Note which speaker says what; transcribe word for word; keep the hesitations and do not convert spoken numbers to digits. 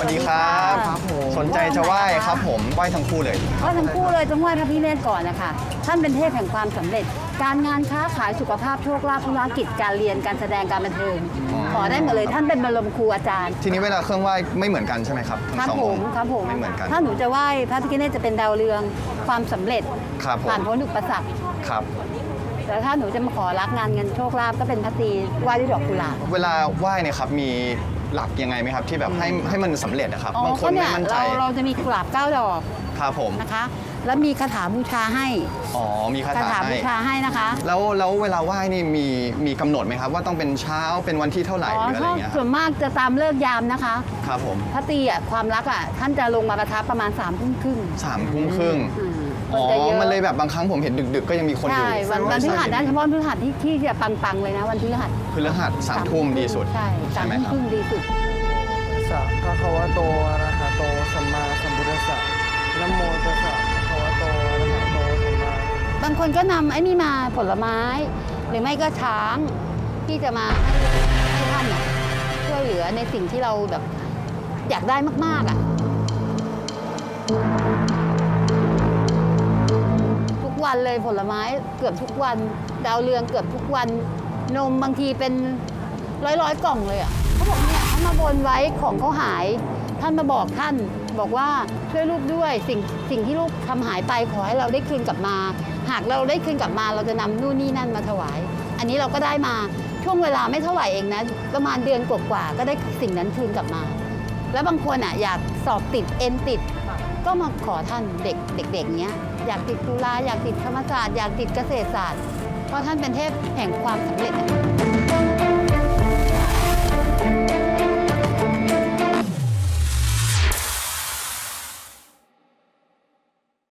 Speaker 1: วัสดีครับสนใจจะไหว้ครับผมไหว้ทั้งคู่เลย
Speaker 2: ไหว้ทั้งคู่เลยต้องไหว้พระพิฆเนศก่อนนะคะท่านเป็นเทพแห่งความสำเร็จ การงานค้าขายสุขภาพโชคลาภธุรกิจการเรียนการแสดงการบันเทิงขอได้หมดเลยท่านเป็นบรมครูอาจารย์
Speaker 1: ทีนี้เวลาเครื่องไหว้ไม่เหมือนกันใช่ไหมครับ
Speaker 2: ครับ
Speaker 1: ทั้งสอง
Speaker 2: ผ
Speaker 1: อ
Speaker 2: ม
Speaker 1: งค์
Speaker 2: ครับผม
Speaker 1: ไม่เหมือนกัน
Speaker 2: ถ้าหนูจะไหว้พระพิฆเนศจะเป็นดาวเรืองความสำเร็จ
Speaker 1: ครับผม
Speaker 2: ผ่านพ้นอุปสรรค
Speaker 1: ครับ
Speaker 2: แต่ถ้าหนูจะมาขอรักงานเงินโชคลาภก็เป็นพระตรีไหว้ด้วยดอกกุหลาบ
Speaker 1: เวลาไหว้เนี่ยครับมีหลักยังไงไหมครับที่แบบให้ให้มันสำเร็จนะครับบางคน
Speaker 2: ก็
Speaker 1: ไม่
Speaker 2: เนี่ย
Speaker 1: มั่นใจ
Speaker 2: เราเราจะมีกุหลาบเก้าดอก
Speaker 1: ครับผม
Speaker 2: นะคะ แล้วมีคาถาบูชาให้
Speaker 1: อ๋อมีคา
Speaker 2: คา
Speaker 1: ถา
Speaker 2: ถาบู
Speaker 1: ให้
Speaker 2: ชาให้นะคะ
Speaker 1: แล้วแล้วเวลาไหว้นี่มีมีกำหนดไหมครับว่าต้องเป็นเช้าเป็นวันที่เท่าไหร่
Speaker 2: อ๋อ
Speaker 1: หรืออะไร
Speaker 2: ถ้า
Speaker 1: เงี้ยค
Speaker 2: ส่
Speaker 1: รับ
Speaker 2: วนมากจะตามเลิกยามนะคะ
Speaker 1: ครับผม
Speaker 2: พระตรีอ่ะความรักอ่ะท่านจะลงมาประทับประมาณ3ามทุ่มครึ่ง
Speaker 1: สามทุ่มครึ่ง
Speaker 2: อืม
Speaker 1: อ๋อ
Speaker 2: คนจะเยอะ
Speaker 1: มันเลยแบบบางครั้งผมเห็นดึกๆ ก็ยังมีคนอยู่
Speaker 2: ใช่วันวันพฤหัสนะเฉพาะพฤหัสที่ที่จะปังๆเลยนะวันพฤหัส
Speaker 1: พฤหัสสามทุ่มดีสุด
Speaker 2: ใช่สาม
Speaker 1: ไหม
Speaker 2: ทุ่ม
Speaker 1: ครับ
Speaker 2: ครึ่งดีสุด
Speaker 3: สัพพะคะวะโตอะระหะโตสัมมาสัมพุทธัสสะนะโมตัสสะภะคะวะโตอะระหะโตสัมมา
Speaker 2: บางคนก็นำไอ้นี่มาผลไม้ หรือไม่ก็ช้างที่จะมาให้ให้ท่านอะช่วยเหลือในสิ่งที่เราแบบอยากได้มากๆอ่ะทุกวันเลยผลไม้เกือบทุกวัน ดาวเรืองเกือบทุกวัน นมบางทีเป็นร้อยร้อยๆกล่องเลยอ่ะเขาบอกเนี่ยเขามาบนไว้ของเขาหาย ท่านมาบอกท่านบอกว่าช่วยลูกด้วยสิ่งสิ่งที่ลูกทำหายไปขอให้เราได้คืนกลับมา หากเราได้คืนกลับมาเราจะนำนู่นนี่นั่นมาถวาย อันนี้เราก็ได้มาช่วงเวลาไม่เท่าไหร่เองนะประมาณเดือนกว่าๆก็ได้สิ่งนั้นคืนกลับมา แล้วบางคนอ่ะอยากสอบติดเอ็นติด ก็มาขอท่านเด็กเด็กๆเนี้ยอยากติดจุฬาอยากติดธรรมศาสตร์อยากติดเกษตรศาสตร์เพราะท่านเป็นเทพแห่งความสำเร็จอะ